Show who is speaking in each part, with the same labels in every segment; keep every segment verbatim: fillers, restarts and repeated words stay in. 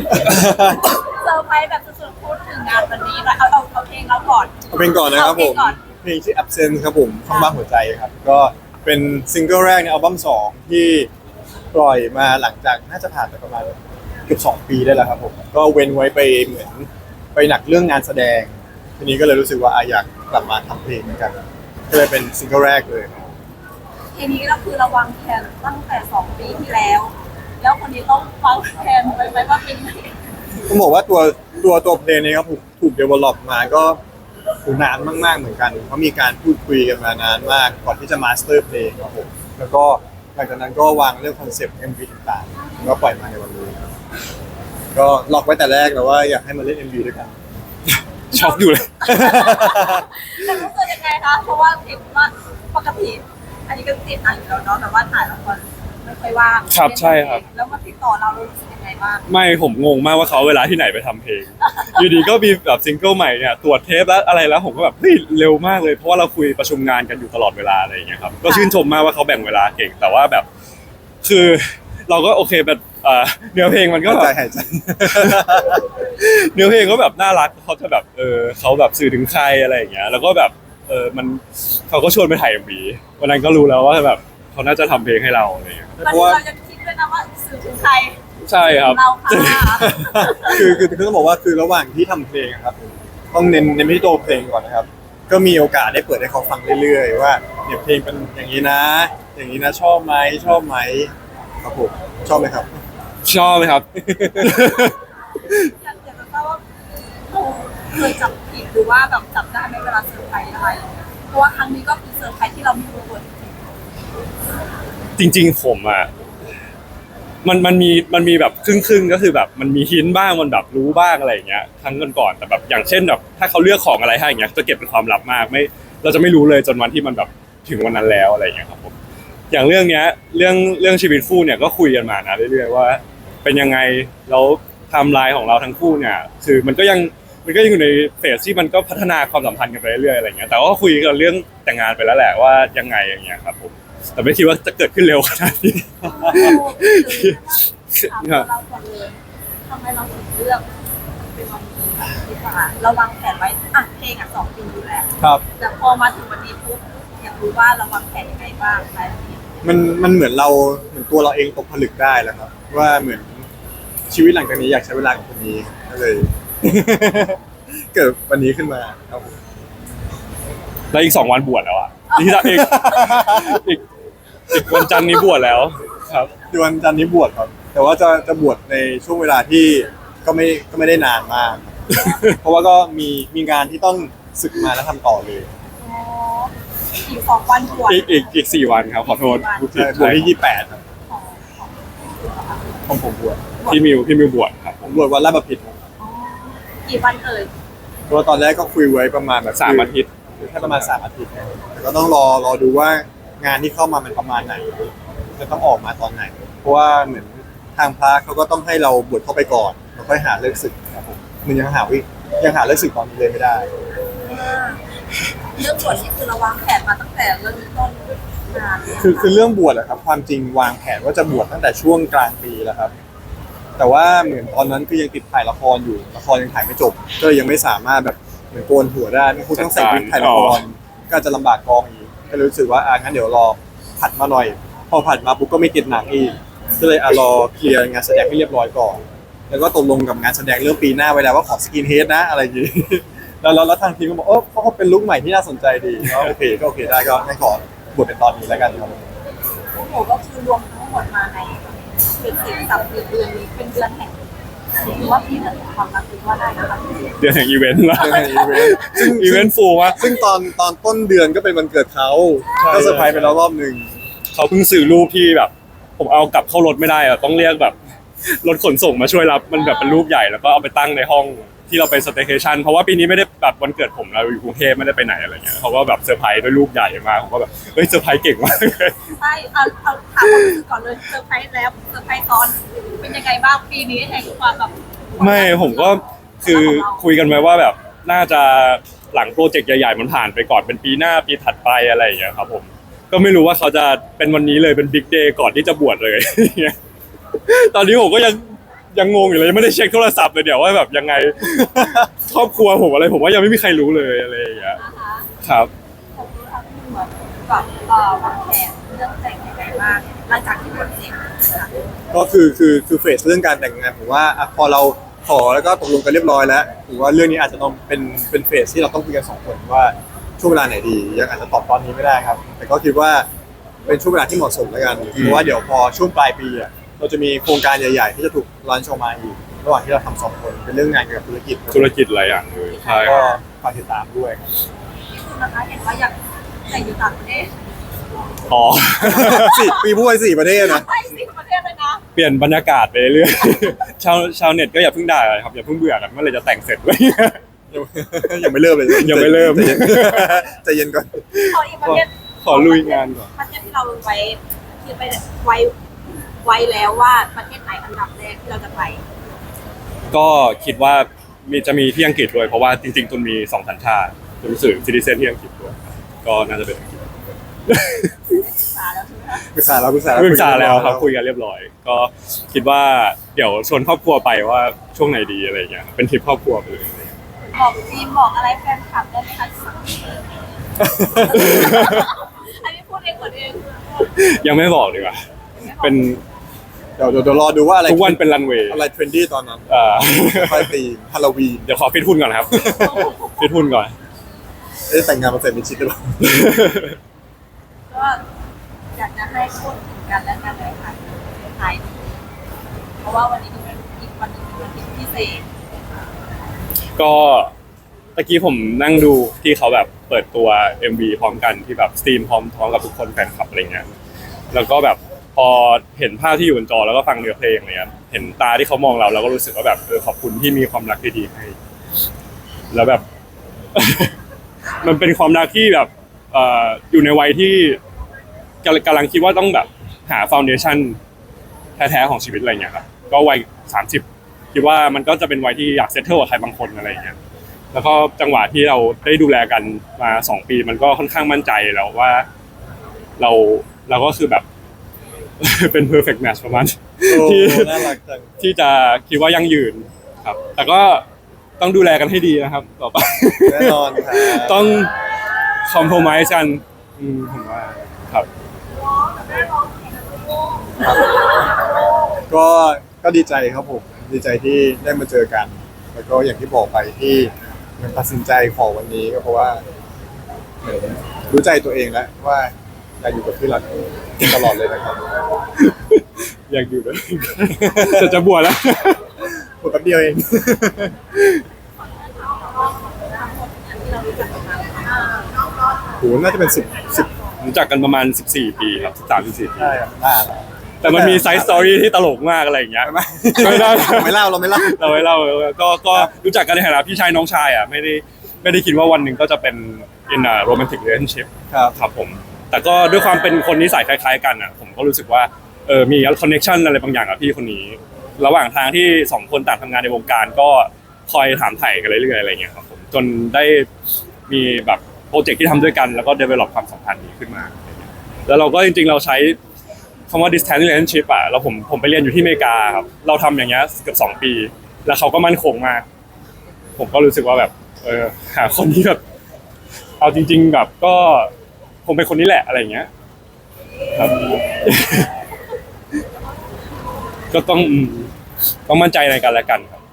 Speaker 1: เซอร์ไพรส์แบบสุดๆพูดถึงงานวันนี้แล้วเอาเอาเอาเพลงเราก่อน
Speaker 2: เอาเพลงก่อนนะครับผมเพลงชื่อ Absent ครับผมข้างบ้านหัวใจครับก็เป็นซิงเกิลแรกในอัลบั้มสองที่ปล่อยมาหลังจากน่าจะผ่านไปประมาณเกือบสองปีได้แล้วครับผมก็เว้นไว้ไปเหมือนไปหนักเรื่องงานแสดงทีนี้ก็เลยรู้สึกว่าอยากกลับมาทำเพลงเหมือนกันก็เลยเป็นซิงเกิลแรกเลย
Speaker 1: ทีนี้ก็คือเราวางแผนตั้งแต่สองปีที่แล้ว แล้วคนนี้ต้องวางแผนไว้ไหมว่าเป็นยังไง
Speaker 2: ต้องบอกว่าตัวตัวตัวเพลงนี้ครับถูกถูกเดเวลลอปมาก็ถูกนานมากๆเหมือนกันเพราะมีการพูดคุยกันมานานมากก่อนที่จะมาสเตอร์เพลงครับผมแล้วก็หลังจากนั้นก็วางเรื่องคอนเซปต์ เอ็ม วี ต่างๆแล้วก็ปล่อยมาในวันนี้ก็ล็อกไว้แต่แรกแล้วว่าอยากให้มาเล่น เอ็ม วี ด้วยกันช็อกอยู่เลย
Speaker 1: แต่รู้สึกยังไงคะเพราะว่าเห็นว่าปกติอันนี้ก็ติดอ่านอยู่แล้วเนาะแต่ว่าถ่ายละครไม่ค่อยว่าง
Speaker 3: ครับใช่ครับ
Speaker 1: แล้วมาติดต่อเราเรารู้สึกยังไงบ้าง
Speaker 3: ไม่ผมงงมากว่าเขาเวลาที่ไหนไปทำเพลงอยู่ดีก็มีแบบซิงเกิลใหม่เนี่ยตรวจเทปแล้วอะไรแล้วผมก็แบบเฮ้ยเร็วมากเลยเพราะว่าเราคุยประชุมงานกันอยู่ตลอดเวลาอะไรอย่างเงี้ยครับก็ชื่นชมมากว่าเขาแบ่งเวลาเก่งแต่ว่าแบบคือเราก็โอเคแบบเนื้อเพลงมันก็
Speaker 2: ใจหายใจ
Speaker 3: เนื้อเพลงก็แบบน่ารักเขาจะแบบเออเขาแบบสื่อถึงใครอะไรอย่างเงี้ยแล้วก็แบบเออมันเขาก็ชวนไปถ่าย เอ็ม วี วันนั้นก็รู้แล้วว่าแบบเขาน่าจะทำเพลงให้เราอะไรอย่างเงี้ย
Speaker 1: เพราะว่าเราจะคิดด้วยนะว่าสื่อถึงใคร
Speaker 3: ใช่ครับ
Speaker 1: เราค่ะ
Speaker 2: คือคือคือต้องบอกว่าคือระหว่างที่ทำเพลงครับต้องเน้นเน้นที่ตัวเพลงก่อนนะครับก็มีโอกาสได้เปิดให้เขาฟังเรื่อยๆว่าเนี่ยเพลงเป็นอย่างนี้นะ อย่างนี้นะชอบไหมชอบไหมครับผมชอบไหมครับ
Speaker 3: ชอบไหมครับ
Speaker 1: อยากจะทราบว่าเคยจับผิดหรือว่าแบบจับได้ในเวลาเซอร์ไพรส์อะไรเพราะว่าครั้งนี้ก็คือเซอร์ไพรส์ที่เราไม่รู้ตัว
Speaker 3: จริงๆผมอ่ะมันมันมีมันมีแบบครึ่งๆก็คือแบบมันมีหินบ้างมันแบบรู้บ้างอะไรอย่างเงี้ยครั้งก่อนๆแต่แบบอย่างเช่นแบบถ้าเขาเลือกของอะไรให้อย่างเงี้ยจะเก็บเป็นความลับมากไม่เราจะไม่รู้เลยจนวันที่มันแบบถึงวันนั้นแล้วอะไรอย่างเงี้ยครับผมอย่างเรื่องเนี้ยเรื่องเรื่องชีวิตคู่เนี่ยก็คุยกันมานะเรื่อยๆว่าเป็นยังไงแล้วไทม์ไลน์ของเราทั้งคู่เนี่ยคือมันก็ยังมันก็ยังอยู่ในเฟสที่มันก็พัฒนาความสัมพันธ์กันไปเรื่อยๆอะไรเงี้ยแต่ว่าคุยกันเรื่องแต่งงานไปแล้วแหละว่ายังไงอย่างเงี้ยครับผมแต่ไม่คิดว่าจะเกิดขึ้นเร็วขนาดนี้
Speaker 1: เราก่อนเลยทำไมเราถึงเลือกเป็นวันนี้ดีกว่าเราวางแผนไว้อ่ะเพลงอ่ะสองปีอยู่แล้ว
Speaker 2: ครับ
Speaker 1: แต่พอมาถึงวันนี้ปุ๊บอยากรู้ว่าเราวางแผนยังไงบ้างอะไรแบบนี้
Speaker 2: มันมันเหมือนเราเหมือนตัวเราเองตกผลึกได้แล้วครับว่าเหมือนชีวิตหลังจากนี้อยากใช้เวลากับคนนี้ก็เลยเกิดวันนี้ขึ้นมาครับผม
Speaker 3: แล้วอีกสองวันบวชแล้วอ่ะที่จะอีกอีกอีกวันจันทร์นี้บวชแล้วครับ
Speaker 2: วันจันทร์นี้บวชครับแต่ว่าจะจะบวชในช่วงเวลาที่ก็ไม่ก็ไม่ได้นานมากเพราะว่าก็มีมีงานที่ต้องศึกมาแล้วทำต่อเลย
Speaker 1: อีกสองวันบวช
Speaker 3: อีกอีกอีกสี่วันครับขอโทษ
Speaker 2: บวชที่ยี่สิบแปดครับของผมบวช
Speaker 3: พี่มิวพี่มิวบวชครับ
Speaker 2: ผมบวชวันละประพิตร
Speaker 1: กี่วันเอ่ย
Speaker 2: เพราะตอนแรกก็คุยไว้ประมาณแบบ
Speaker 3: สามอาทิตย์
Speaker 2: แค่ประมาณสามอาทิตย์แต่ก็ต้องรอรอดูว่างานที่เข้ามามันประมาณไหนจะต้องออกมาตอนไหนเพราะว่าเหมือนทางพระเขาก็ต้องให้เราบวชเข้าไปก่อนแล้วค่อยหาเลิกศึกครับผมมันยังหาวิยังหาเลิกศึกตอนนี้เลยไม่ได้
Speaker 1: เรื่องบวชนี่คือเราวางแผนมาตั้งแต่เริ่มต้นงาน
Speaker 2: คือคือเรื่องบวชอะครับความจริงวางแผนว่าจะบวชตั้งแต่ช่วงกลางปีแล้วครับแต่ว่าเหมือนตอนนั้นคือยังติดถ่ายละครอยู่ละครยังถ่ายไม่จบก็ยังไม่สามารถแบบเหมือนโกนหัวได้ไม่คุณต้องใส่วิกถ่ายละครก็จะลำบากกองอีกก็รู้สึกว่าอ่ะงั้นเดี๋ยวรอผัดมาหน่อยพอผัดมาปุ๊บก็ไม่ติดหนังอีกก็เลยอ่ะรอเคลียร์งานแสดงให้เรียบร้อยก่อนแล้วก็ตกลงกับงานแสดงเรื่องปีหน้าไว้แล้วว่าขอสกินเฮดนะอะไรอย่างงี้แล้วแล้วทางทีมก็บอกเออเขาเป็นลุคใหม่ที่น่าสนใจดีก็โอเคก็โอเคได้ก็งั้นขอบวชเป็นตอนนี้แล้วกันครับ
Speaker 1: โอ้โหก็คือรวมทั้งหมดมาในเป็นสิบสับเดือนนี้เป็นเดือนแห่งหรือว่าปีเดือนความรักหรือว่าได้นะคะ
Speaker 3: เดือนแห่งอีเวนต์ละ
Speaker 2: เดือนแห่งอีเวนต์ซึ่ง
Speaker 3: อีเวนต์ฟูลวะ
Speaker 2: ซึ่งตอนตอนต้นเดือนก็เป็นวันเกิดเขาก็เซอร์ไพรส์ไปแล้วรอบหนึ่ง
Speaker 3: เขาเพิ่งซื้อรูปที่แบบผมเอากลับเข้ารถไม่ได้อะต้องเรียกแบบรถขนส่งมาช่วยรับมันแบบเป็นรูปใหญ่แล้วก็เอาไปตั้งในห้องที่เราไปสเตย์เคชั่นเพราะว่าปีนี้ไม่ได้แบบวันเกิดผมเราอยู่กรุงเทพไม่ได้ไปไหนอะไรเงี้ยเขาก็แบบเซอร์ไพรส์ด้วยรูปใหญ่มากผมก็แบบเฮ้ยเซอร์ไพรส์เก่งมากเลย
Speaker 1: ใช่เอาเอาถามความรู้สึกก่อนเลยเซอร์ไพรส์แล้วเซอร์ไพรส์ตอนเป็นยังไงบ้างปีนี้แห่งความแบบ
Speaker 3: ไม่ผมก็คือคุยกันไว้ว่าแบบน่าจะหลังโปรเจกต์ใหญ่ๆมันผ่านไปก่อนเป็นปีหน้าปีถัดไปอะไรอย่างเงี้ยครับผมก็ไม่รู้ว่าเขาจะเป็นวันนี้เลยเป็นบิ๊กเดย์ก่อนที่จะบวชเลยตอนนี้ผมก็ยังยังงงอยู่เลยยังไม่ได้เช็คโทรศัพท์เลยเดี๋ยวว่าแบบยังไง ครอบครัวผมอะไรผมว่ายังไม่มีใครรู้เลยอะไรอย่างเงี้ย
Speaker 1: นะคะ
Speaker 3: ครับ
Speaker 1: ผมรู้ทั้งเหมือนกับเอ่อวางแผนเรื่องแต่งยังไงบ้างหลังจากที่บทเสร็จนะคะ
Speaker 2: ก็คือคือคือเฟสเรื่องการแต่งงานผมว่าอ่ะพอเราขอแล้วก็ตกลงกันเรียบร้อยแล้วผมว่าเรื่องนี้อาจจะต้องเป็นเป็นเฟสที่เราต้องคุยกันสองคนว่าช่วงเวลาไหนดียังอาจจะตอบตอนนี้ไม่ได้ครับ แต่ก็คิดว่าเป็นช่วงเวลาที่เหมาะสมแล้วกันเพราะว่าเดี๋ยวพอช่วงปลายปีอ่ะเราจะมีโครงการใหญ่ๆที่จะถูกรันโชว์มาอีกระหว่างที่เราทำสองคนเป็นเรื่องงานเกี่ยวกับธุรกิจครับ
Speaker 3: ธุรกิจหลายอย่างเลยใช่ค
Speaker 2: ก็
Speaker 3: รับ
Speaker 2: ฝากติดตามด้วยครับ
Speaker 1: ที่คุณนะคะเห็นว่าอยากแต่งอยู่ต่างประเทศ
Speaker 3: อ๋อ
Speaker 2: สี่ปีพูดไปสี่ประเทศนะ
Speaker 1: ไปสิประเทศเลยนะ
Speaker 3: เปลี่ยนบรรยากาศไปเรื่อยๆ ชาวชาวเน็ตก็อย่าเพิ่งด่าเลยครับอย่าเพิ่งเบื่อกันเมื่อไหรจะแต่งเสร็จเลย
Speaker 2: ยังไม่เริ่มเลย
Speaker 3: ยังไม่เริ่ม
Speaker 2: ใจเย็นใจเย็นก่อน
Speaker 1: ขออีกประเทศ
Speaker 3: ขอลุยงานก่อน
Speaker 1: ประเทศที่เราไว้คิดไปไว้ไว้แล้วว่าประเทศไหนอันดับแรกที่เราจะไป
Speaker 3: ก็คิดว่ามีจะมีที่อังกฤษด้วยเพราะว่าจริงๆตุนมีสองสัญชาติตุนรู้สึกซิติเซนที่อังกฤษด้วยก็น่าจะเป็นอังกฤษ
Speaker 1: ศึกษาแล้วใช่ไหมคะ
Speaker 2: ปรึกษาแล้วปรึกษา
Speaker 3: ปรึกษาแล้วครับคุยกันเรียบร้อย ก็คิดว่าเดี๋ยวชวนครอบครัวไปว่าช่วงไหนดีอะไรอย่างเงี้ยเป็นทริปครอบครัวไปเลย
Speaker 1: บอกจีมบอกอะไรแฟนคลับได้ไหมคะสักทีอันนี้พูดเองหมดเอง
Speaker 3: ยังไม่บอกดีกว่าเป็น
Speaker 2: เดี๋ยวเดี๋ยวเดี๋ยวรอดูว่าอะไร
Speaker 3: ทุกวันเป็นรันเวย์
Speaker 2: อะไรเทรนดี้ตอนนั้น
Speaker 3: เอ่อ
Speaker 2: ค่อยตีฮาโลวีน
Speaker 3: เดี๋ยวขอฟิตหุ่นก่อนครับ ฟิตหุ่นก่อน
Speaker 2: เอ๊ะแต่งงานมาเสร็จมิดชิดหรือเปล่า
Speaker 1: ก็อยากจะให้พูดถึงกันและกันเลยค่ะท้ายนี้เพราะว่าวันนี้เป็นอีกวันหนึงเป็นวันที่พิเศษ
Speaker 3: ก็ตะกี้ผมนั่งดูที่เขาแบบเปิดตัว เอ็ม วี พร้อมกันที่แบบสตรีมพร้อมพร้อมกับทุกคนแฟนคลับอะไรเงี้ยแล้วก็แบบพอเห็นภาพที่อยู่บนจอแล้วก็ฟังเนื้อเพลงอะไรเงี้ยเห็นตาที่เขามองเราเราก็รู้สึกว่าแบบเออขอบคุณที่มีความรักที่ดีให้ แล้วแบบ มันเป็นความรักที่แบบเอ่ออยู่ในวัยที่กำลังกำลังคิดว่าต้องแบบหาฟ u วเดชั่นแท้ๆของชีวิตอะไรเงี้ยครับก็วัยสามสิบคิดว่ามันก็จะเป็นวัยที่อยากเซตเทิลกับใครบางคนอะไรอย่างเงี้ยแล้วก็จังหวะที่เราได้ดูแลกันมาสองปีมันก็ค่อนข้างมั่นใจแล้วว่าเราเราก็คือแบบ เป็น perfect match ประมาณ
Speaker 2: โอ้
Speaker 3: ที่
Speaker 2: น่ารักจัง
Speaker 3: ที่จะคิดว่ายั่งยืนครับ แต่ก็ต้องดูแลกันให้ดีนะครับ ต่อไป
Speaker 2: แน่นอนครับ
Speaker 3: ต้องคอมโพม i s e กันอืมผมว่าครับ
Speaker 2: ครับก็ก็ดีใจครับผมดีใจที่ได้มาเจอกัน แล้วก็อย่างที่บอกไปที่มันตัดสินใจขอวันนี้ก็เพราะว่าเหมือนรู้ใจตัวเองแล้วว่าอยากอยู่กับพี่หลักตลอดเลยนะครับ
Speaker 3: อยากอยู่ด้วย จะจะบวชแล้ว
Speaker 2: พูดแป๊บเดียวเอง
Speaker 1: ที่เรารู้จักกันมา
Speaker 2: โหน่าจะเป็นสิบสิบ
Speaker 3: รู้จักกันประมาณสิบสี่ปีครับสิบสามสิบสี่ปี
Speaker 2: ได้ครับได้ครับ
Speaker 3: แต่มันมีไซส์สตอรี่ที่ตลกมากอะไรอย่างเงี้ย
Speaker 2: ไม่
Speaker 3: ไม่ได้
Speaker 2: ไม่เล่าเราไม่เล่า
Speaker 3: เราไม่เล่าก็ก็รู้จักกันในฐานะพี่ชายน้องชายอ่ะไม่ได้ไม่ได้คิดว่าวันหนึ่งก็จะเป็น in a romantic relationship
Speaker 2: ครับ
Speaker 3: ครับผม แต่ก็ด้วยความเป็นคนนิสัยคล้ายๆกันอ่ะ ผมก็รู้สึกว่าเออมีคอนเนคชันอะไรบางอย่างกับพี่คนนี้ ระหว่างทางที่สองคนต่างทำงานในวงการก็คอยถามไถ่กันเรื่อยๆอะไรอย่างเงี้ยครับผมจนได้มีแบบโปรเจกต์ที่ทำด้วยกันแล้วก็ develop ความสัมพันธ์นี้ขึ้นมาอะไรเงี้ยแล้วเราก็จริงๆเราใช้คำว่า distance relationship อ่ะแล้วผมผมไปเรียนอยู่ที่อเมริกาครับเราทำอย่างเงี้ยเกือบสองปี แล้วเขาก็มั่นคงมาก ผมก็รู้สึกว่าแบบเออหาคนที่แบบเอาจริง ๆ แบบก็คงเป็นคนนี้แหละอะไรอย่างเงี้ยครับ ก็ต้องอืมต้องมั่นใจในกันและกันครับ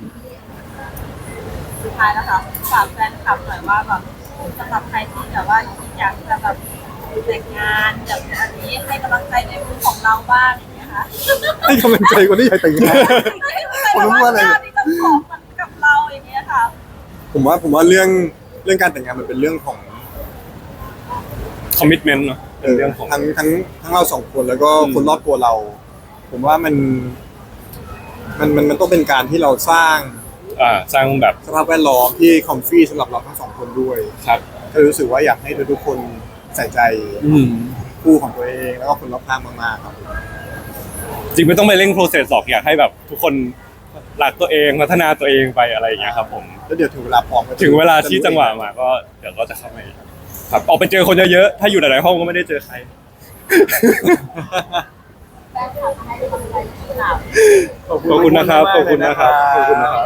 Speaker 1: สุดท้ายแล้วค่ะฝากแฟนคลับหน่อยว่าแบบสำหรับใครที่แบบว่าอยากจะแบบแต่งงานแบบอันนี้ให้กำลังใจในมือของเราบ้างอย่างเงี้ยค่ะ
Speaker 2: ให้กำลังใจคนที่อยากแต่งงาน
Speaker 1: ผมรู้ว่าอะไรที่จะขอมันกับเราอย่างเงี้ยค่ะ
Speaker 2: ผมว่าผมว่าเรื่องเรื่องการแต่งงานมันเป็นเรื่องของ
Speaker 3: commitment เนอะเป็นเรื่องของ
Speaker 2: ทั้งทั้งทั้งเราสองคนแล้วก็
Speaker 3: อืม
Speaker 2: คนรอบตัวเรา ผมว่ามันมันมันมันต้องเป็นการที่เราสร้าง
Speaker 3: อ่าสร้างแบบ
Speaker 2: สภาพแวดล้อมที่คอมฟี่สำหรับเราทั้งสองคนด้วย
Speaker 3: ครับ
Speaker 2: ก็รู้สึกว่าอยากให้ทุกๆคนใส่ใจ
Speaker 3: อืม
Speaker 2: คู่ของตัวเองแล้วก็คนรอบข้างมากๆครับ
Speaker 3: จริงไม่ต้องไปเร่ง process หรอกอยากให้แบบทุกคนรักตัวเองพัฒนาตัวเองไปอะไรอย่างเงี้ยครับผม
Speaker 2: แล้วเดี๋ยวถึงเวลาพร้อมก็
Speaker 3: ถึงเวลาที่จังหวะมาก็เดี๋ยวก็จะเข้ามาเองครับออกไปเจอคนเยอะๆถ้าอยู่หลายๆห้องก็ไม่ได้เจอใคร
Speaker 1: แฟนคลับให้กำลังใจที่เรา
Speaker 3: ขอบคุณนะครับขอบคุณนะครับขอบคุณนะครับ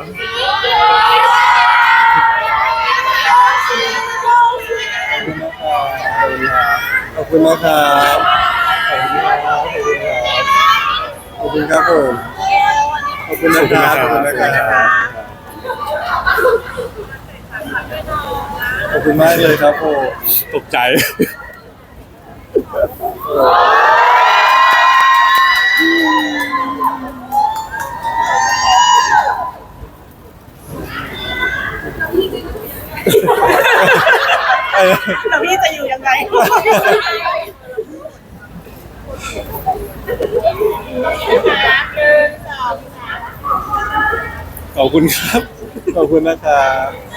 Speaker 2: ขอบคุณนะครับขอบคุณครับผมขอบคุณนะครับขอบคุณนะครับขอบคุณมากเลยครับผม
Speaker 3: ตกใจ
Speaker 1: แล้วพี่จะอยู่ยังไง
Speaker 3: ขอบคุณครับ
Speaker 2: ขอบคุณนะครับ